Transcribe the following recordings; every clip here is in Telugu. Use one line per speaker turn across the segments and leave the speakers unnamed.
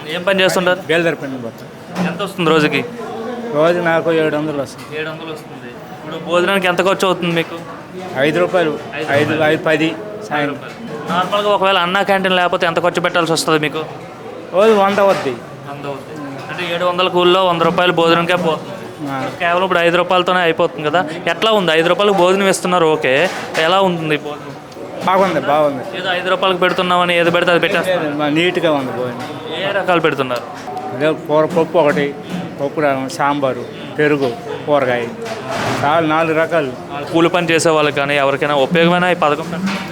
ఏం పని చేస్తుంటారు?
బేల్దారి పని పోతాం.
ఎంత వస్తుంది రోజుకి?
రోజు నాకు 700 వస్తుంది.
700 వస్తుంది. ఇప్పుడు భోజనానికి ఎంత ఖర్చు అవుతుంది మీకు?
5 రూపాయలు, 5, 10 సాయంత్రం.
నార్మల్గా ఒకవేళ అన్నా క్యాంటీన్ లేకపోతే ఎంత ఖర్చు పెట్టాల్సి వస్తుంది మీకు?
రోజు 100 అవుద్ది.
100 అవుతుంది. అంటే 700 కూల్లో 100 రూపాయలు భోజనంకే పోతుంది. కేవలం ఇప్పుడు 5 రూపాయలతోనే అయిపోతుంది కదా. ఎట్లా ఉంది? 5 రూపాయలకు భోజనం ఇస్తున్నారు, ఓకే. ఎలా ఉంటుంది భోజనం?
బాగుంది.
ఏదో 5 రూపాయలకు పెడుతున్నామని ఏది పెడితే అది పెట్టేస్తారు.
నీట్గా ఉంది భోజనం.
ఏ రకాలు పెడుతున్నారు?
అదే పప్పు ఒకటి, పప్పు సాంబారు, పెరుగు, కూరగాయ, చాలా 4 రకాలు.
కూలి పని చేసే వాళ్ళకి కానీ ఎవరికైనా ఉపయోగమైన ఈ పథకం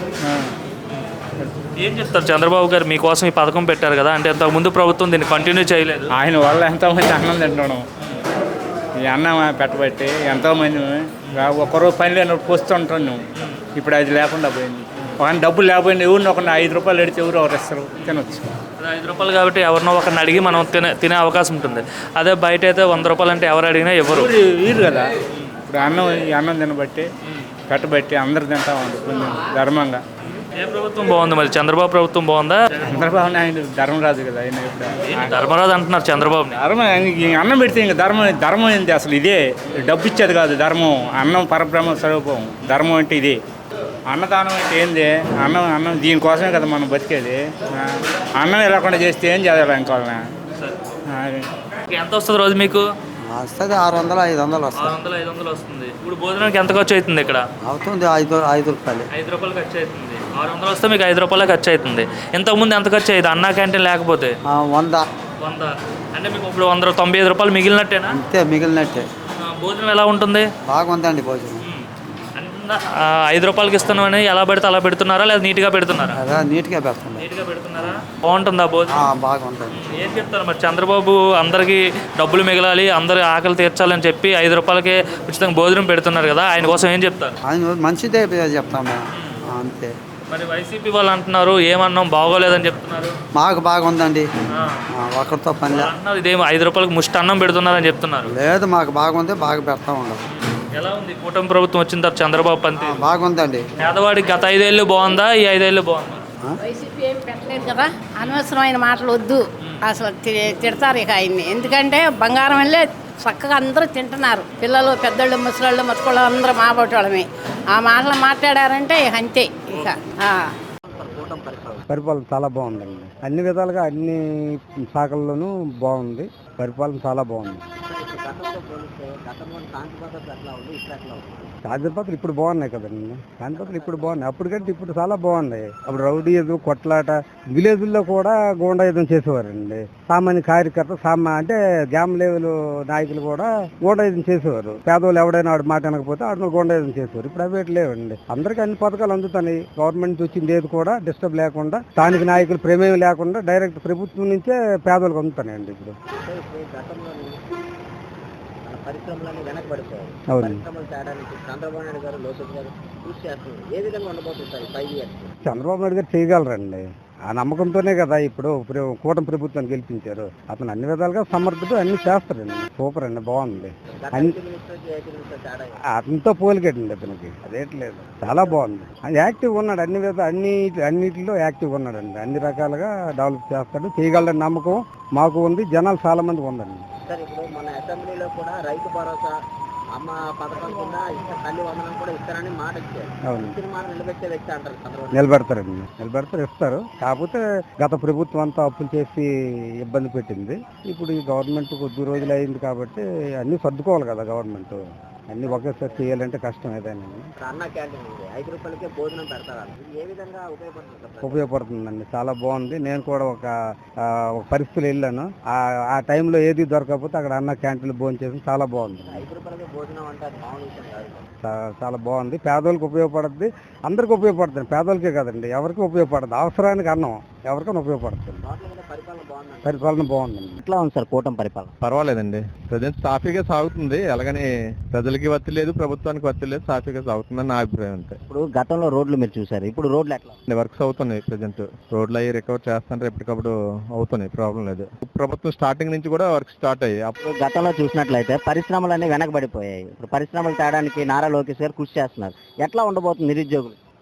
ఏం చెప్తారు? చంద్రబాబు గారు మీకోసం ఈ పథకం పెట్టారు కదా, అంటే ఇంతకుముందు ప్రభుత్వం దీన్ని కంటిన్యూ చేయలేదు.
ఆయన వల్ల ఎంతోమంది అన్నం తింటున్నాం. ఈ అన్నం పెట్టబట్టి ఎంతోమంది ఒక్కరోజు పని లేనప్పుడు పోస్తుంటున్నాం. ఇప్పుడు అది లేకుండా పోయింది. ఒక డబ్బులు లేకపోయింది, ఎవరిని ఒక 5 రూపాయలు ఎడితే ఎవరు ఇస్తారు, తినొచ్చు.
5 రూపాయలు కాబట్టి ఎవరినో ఒకరిని అడిగి మనం తినే అవకాశం ఉంటుంది. అదే బయట అయితే 100 రూపాయలు అంటే ఎవరు అడిగినా ఎవరు
వీరు కదా. ఇప్పుడు అన్నం తినబట్టి పెట్టబట్టి అందరు తింటా ఉంది కొంచెం ధర్మంగా.
ఏ ప్రభుత్వం బాగుంది మరి? చంద్రబాబు ప్రభుత్వం బాగుందా?
చంద్రబాబు ఆయన ధర్మరాజు కదా. ఆయన ఇప్పుడు
ధర్మరాజు అంటున్నారు చంద్రబాబు.
అన్నం పెడితే ఇంకా ధర్మం ఏంటి అసలు? ఇదే డబ్బు ఇచ్చేది కాదు ధర్మం. అన్నం పరబ్రహ్మ స్వరూపం. ధర్మం అంటే ఇదే. అన్నదానం అంటే ఏంది? అన్నం దీనికోసమే కదా మనం బతికేది. అన్నం లేకుండా చేస్తే ఏం చేయాలి ఇంకా?
ఎంత వస్తుంది రోజు మీకు?
వస్తుంది 600, 500 వస్తుంది.
600, 500 వస్తుంది. ఇప్పుడు భోజనానికి ఎంత ఖర్చు అవుతుంది ఇక్కడ?
అవుతుంది 5 రూపాయలు.
5 రూపాయలు ఖర్చు అవుతుంది. 600 వస్తే మీకు 5 రూపాయలు ఖర్చు అవుతుంది. ఇంతకుముందు ఎంత ఖర్చు అయ్యేది అన్నా క్యాంటీన్ లేకపోతే?
100.
అంటే మీకు ఇప్పుడు 195 రూపాయలు మిగిలినట్టేనా?
అంతే, మిగిలినట్టే.
భోజనం ఎలా ఉంటుంది?
బాగుందండి భోజనం.
5 రూపాయలకి ఇస్తున్నామని ఎలా పెడితే అలా పెడుతున్నారా, లేదా నీట్గా పెడుతున్నారా?
నీట్గా పెడుతున్నారు.
నీట్గా పెడుతున్నారా? బాగుంటుందా భోజనం?
బాగుంటుంది.
ఏం చెప్తారు మరి? చంద్రబాబు అందరికీ డబ్బులు మిగలాలి, అందరి ఆకలి తీర్చాలని చెప్పి 5 రూపాయలకే ఉచితంగా భోజనం పెడుతున్నారు కదా, ఆయన కోసం ఏం చెప్తారు?
ఆయన మంచిదే చెప్తాం మేము, అంతే.
మరి వైసీపీ వాళ్ళు అంటున్నారు ఏమన్నాం బాగోలేదని చెప్తున్నారు.
మాకు బాగుందండి, ఒకరితో పని
అన్నారు. ఇదేమో 5 రూపాయలకు ముష్టి అన్నం పెడుతున్నారని చెప్తున్నారు.
లేదు, మాకు బాగుంది, బాగా పెడతా ఉండదు.
ఎలా ఉంది కూటమి ప్రభుత్వం వచ్చిన తర్వాత చంద్రబాబు పంతి?
బాగుందండి.
పేదవాడికి గత 5 ఏళ్ళు బాగుందా, ఈ 5 ఏళ్ళు బాగుందా?
వైసీపీ ఏం పెట్టలేదు కదా, అనవసరమైన మాటలు వద్దు. అసలు తిడతారు ఇక ఆయన్ని. ఎందుకంటే బంగారం వెళ్ళే చక్కగా అందరూ తింటున్నారు. పిల్లలు, పెద్దోళ్ళు, ముసలాళ్ళు, మతుకోళ్ళు అందరూ మాబోటోళ్ళమే. ఆ మాటలు మాట్లాడారంటే ఇక అంతే. ఇక
పరిపాలన చాలా బాగుందండి. అన్ని విధాలుగా అన్ని శాఖల్లోనూ బాగుంది. పరిపాలన చాలా బాగుంది. శాంతి భద్రతలు ఇప్పుడు బాగున్నాయి కదండి. శాంతి భద్రతలు ఇప్పుడు బాగున్నాయి, అప్పటికంటే ఇప్పుడు చాలా బాగున్నాయి. అప్పుడు రౌడీయుధం, కొట్లాట, విలేజ్ల్లో కూడా గూండాయుధం చేసేవారండి. సామాన్య కార్యకర్త అంటే గ్రామ లెవెల్ నాయకులు కూడా గూండాయుధం చేసేవారు. పేదవాళ్ళు ఎవడైనా ఆడు మాట అనకపోతే ఆడు గూండాయుధం చేసేవారు. ఇప్పుడు అవి లేవండి. అందరికీ అన్ని పథకాలు అందుతాయి. గవర్నమెంట్ వచ్చింది ఏది కూడా డిస్టర్బ్ లేకుండా, స్థానిక నాయకులు ప్రమేయం లేకుండా డైరెక్ట్ ప్రభుత్వం నుంచే పేదలకు అందుతాయండి. ఇప్పుడు
పరిశ్రమలన్నీ వెనకబడిపోయాయి. పరిశ్రమలు తేడానికి చంద్రబాబు నాయుడు గారు, లోకేష్ గారు కృషి చేస్తున్నారు. ఏ విధంగా ఉండబోతుంది 5 years?
చంద్రబాబు నాయుడు గారు చేయగలరండి. ఆ నమ్మకంతోనే కదా ఇప్పుడు కూటమి ప్రభుత్వాన్ని గెలిపించారు. అతను అన్ని విధాలుగా సమర్థుడు, అన్ని చేస్తాడండి. సూపర్ అండి, బాగుంది. అతనితో పోలికేటండి అతనికి, అదేట్లేదు. చాలా బాగుంది. యాక్టివ్ ఉన్నాడు, అన్నిటిలో యాక్టివ్ ఉన్నాడండి. అన్ని రకాలుగా డెవలప్ చేస్తాడు, చేయగలడని నమ్మకం మాకు ఉంది, జనాలు చాలా మంది ఉందండి.
సార్, ఇప్పుడు మన అసెంబ్లీలో కూడా రైతు భరోసా, అమ్మ పథకం కింద తల్లి వందనం కూడా ఇస్తారని మాట ఇచ్చారు. ఇచ్చిన మాట నిలబెట్టే వ్యక్తి అంటారు చంద్రబాబు.
నిలబెడతారు, ఇస్తారు. కాకపోతే గత ప్రభుత్వం అంతా అప్పులు చేసి ఇబ్బంది పెట్టింది. ఇప్పుడు ఈ గవర్నమెంట్ కొద్ది రోజులు అయింది కాబట్టి అన్ని సర్దుకోవాలి కదా గవర్నమెంట్. అన్ని ఒకేసారి చేయాలంటే కష్టం ఏదైనా.
అన్న క్యాంటీన్ 5 రూపాయలకే భోజనం పెడతారు. ఏ విధంగా
ఉపయోగపడుతుందండి, చాలా బాగుంది. నేను కూడా ఒక పరిస్థితులు వెళ్ళాను. ఆ టైంలో ఏది దొరకకపోతే అక్కడ అన్న క్యాంటీన్లో భోజనం చేసి చాలా బాగుంది.
5 రూపాయలకే భోజనం అంటే
చాలా బాగుంది. పేదోళ్ళకి ఉపయోగపడుతుంది, అందరికి ఉపయోగపడుతుంది. పేదోళ్ళకే కదండి, ఎవరికి ఉపయోగపడుతుంది. అవసరానికి అన్నం ఎవరికైనా ఉపయోగపడుతుంది. పరిపాలన బాగుందండి.
ఎట్లా ఉంది సార్ కూటమి పరిపాలన?
పర్వాలేదండి, ప్రజెంట్ సాఫీగా సాగుతుంది. అలాగని ప్రజలకి వత్తి లేదు, ప్రభుత్వానికి వత్తి లేదు, సాఫీగా సాగుతుందని నా అభిప్రాయం. అంతే.
ఇప్పుడు గతంలో రోడ్లు మీరు చూసారు, ఇప్పుడు రోడ్లు ఎట్లా?
వర్క్స్ అవుతున్నాయి. ప్రజెంట్ రోడ్లు అయ్యి రికవర్ చేస్తుంటే ఎప్పటికప్పుడు అవుతున్నాయి, ప్రాబ్లం లేదు. ప్రభుత్వం స్టార్టింగ్ నుంచి కూడా వర్క్ స్టార్ట్ అయ్యాయి.
అప్పుడు గతంలో చూసినట్లయితే పరిశ్రమలన్నీ వెనకబడిపోయాయి. ఇప్పుడు పరిశ్రమలు తేడానికి నారా లోకేష్ గారు కృషి చేస్తున్నారు. ఎట్లా ఉండబోతుంది నిరుద్యోగులు?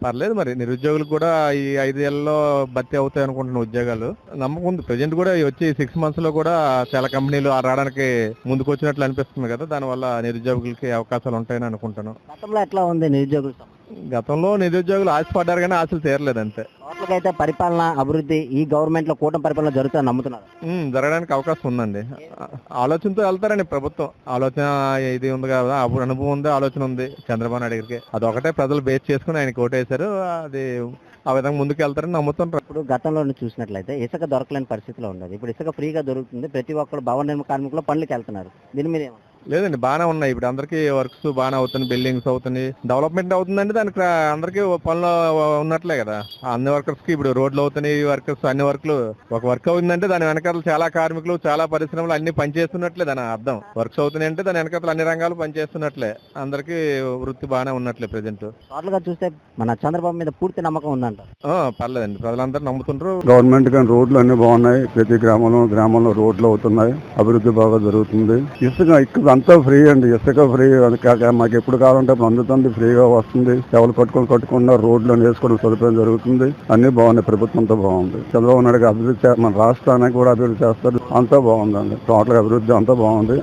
పర్లేదు మరి నిరుద్యోగులు కూడా ఈ 5 ఏళ్లలో భర్తీ అవుతాయి అనుకుంటున్న ఉద్యోగాలు నమ్మకం ఉంది. ప్రజెంట్ కూడా వచ్చి 6 months లో కూడా చాలా కంపెనీలు రావడానికి ముందుకు వచ్చినట్లు అనిపిస్తుంది కదా, దానివల్ల నిరుద్యోగులకి అవకాశాలు ఉంటాయని అనుకుంటాను.
గతంలో ఎట్లా ఉంది నిరుద్యోగుల సమస్య?
గతంలో నిరుద్యోగులు ఆశపడ్డారు కానీ ఆశలు తీరలేదు అంతే.
టోటల్గా అయితే పరిపాలన అభివృద్ధి ఈ గవర్నమెంట్ లో కూటమి పరిపాలన జరుగుతుందని నమ్ముతున్నారు.
జరగడానికి అవకాశం ఉందండి. ఆలోచనతో వెళ్తారండి ప్రభుత్వం. ఆలోచన ఇది ఉంది కదా, అప్పుడు అనుభవం ఉంది, ఆలోచన ఉంది చంద్రబాబు నాయుడు గారికి. అదొకటే ప్రజలు బేస్ చేసుకుని ఆయనకి ఓటేశారు. అది ఆ విధంగా ముందుకు వెళ్తారని నమ్ముతుంటారు.
ఇప్పుడు గతంలో చూసినట్లయితే ఇసుక దొరకలేని పరిస్థితిలో ఉండదు. ఇప్పుడు ఇసుక ఫ్రీగా దొరుకుతుంది. ప్రతి ఒక్కరు భవన నిర్మాణ కార్మికులు పనులకు వెళ్తున్నారు. దీని మీద ఏమంటారు?
లేదండి, బాగానే ఉన్నాయి. ఇప్పుడు అందరికీ వర్క్స్ బాగానే అవుతుంది, బిల్డింగ్స్ అవుతుంది, డెవలప్మెంట్ అవుతుందండి. దానికి అందరికీ పనులు ఉన్నట్లే కదా. అన్ని వర్కర్స్ కి ఇప్పుడు రోడ్లు అవుతున్నాయి, వర్కర్స్ అన్ని వర్క్లు. ఒక వర్క్ అవుతుందంటే దాని వెనకాల చాలా కార్మికులు, చాలా పరిశ్రమలు అన్ని పనిచేస్తున్నట్లే దాని అర్థం. వర్క్స్ అవుతున్నాయి అంటే దాని వెనకాల అన్ని రంగాలు పనిచేస్తున్నట్లే, అందరికీ వృత్తి బాగానే ఉన్నట్లే ప్రెజెంట్.
టోటల్ గా చూస్తే మన చంద్రబాబు మీద పూర్తి నమ్మకం ఉందంట.
పర్లేదండి, ప్రజలందరూ నమ్ముతుంటారు.
గవర్నమెంట్ కానీ రోడ్లు అన్ని బాగున్నాయి. ప్రతి గ్రామంలో రోడ్లు అవుతున్నాయి. అభివృద్ధి బాగా జరుగుతుంది. ఇసుక అంతా ఫ్రీ అండి. ఇసుక ఫ్రీ. మాకు ఎప్పుడు కావాలంటే అప్పుడు అందుతుంది, ఫ్రీగా వస్తుంది. ఎవరు కట్టుకున్న రోడ్లు వేసుకోవడం సదుపాయం జరుగుతుంది. అన్ని బాగున్నాయి. ప్రభుత్వంతో బాగుంది. చంద్రబాబు నాయుడు అభివృద్ధి మన రాష్ట్రానికి కూడా అభివృద్ధి చేస్తారు. అంతా బాగుందండి. టోటల్ అభివృద్ధి అంతా బాగుంది.